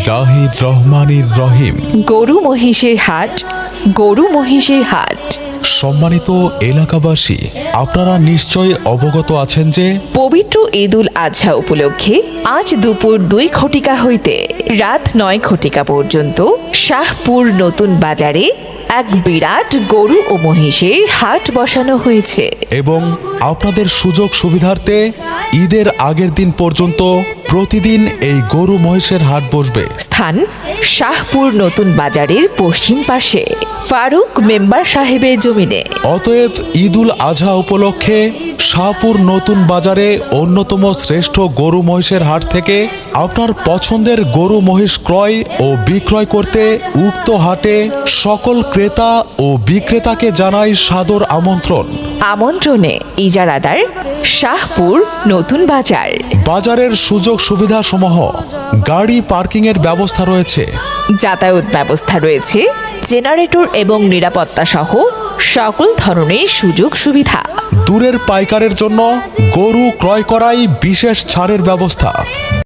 বিসমিল্লাহির রহমানির রহিম। গরু মহিষের হাট, গরু মহিষের হাট। সম্মানিত এলাকাবাসী, আপনারা নিশ্চয় অবগত আছেন যে পবিত্র ঈদুল আজহা উপলক্ষে আজ দুপুর 2 ঘটিকা হইতে রাত 9 ঘটিকা পর্যন্ত শাহপুর নতুন বাজারে এক বিরাট গরু ও মহিষের হাট বসানো হয়েছে। এবং আপনাদের সুযোগ সুবিধার্থে ঈদের আগের দিন পর্যন্ত প্রতিদিন এই গরু মহিষের হাট বসবে। স্থান শাহপুর নতুন বাজারের পশ্চিম পাশে ফারুক মেম্বার সাহেবের জমিনে। অতএব ঈদুল আজহা উপলক্ষে শাহপুর নতুন বাজারে অন্যতম শ্রেষ্ঠ গরু মহিষের হাট থেকে আপনার পছন্দের গরু মহিষ ক্রয় ও বিক্রয় করতে উক্ত হাটে সকল ক্রেতা ও বিক্রেতাকে জানাই সাদর আমন্ত্রণ। আমন্ত্রণে ইজারাদার শাহপুর নতুন বাজার। বাজারের সুযোগ সুবিধা সমূহ গাড়ি পার্কিং এর ব্যবস্থা রয়েছে, যাতায়াত ব্যবস্থা রয়েছে, জেনারেটর এবং নিরাপত্তা সহ সকল ধরনের সুযোগ সুবিধা। দূরের পাইকারের জন্য গরু ক্রয় করাই বিশেষ ছাড়ের ব্যবস্থা।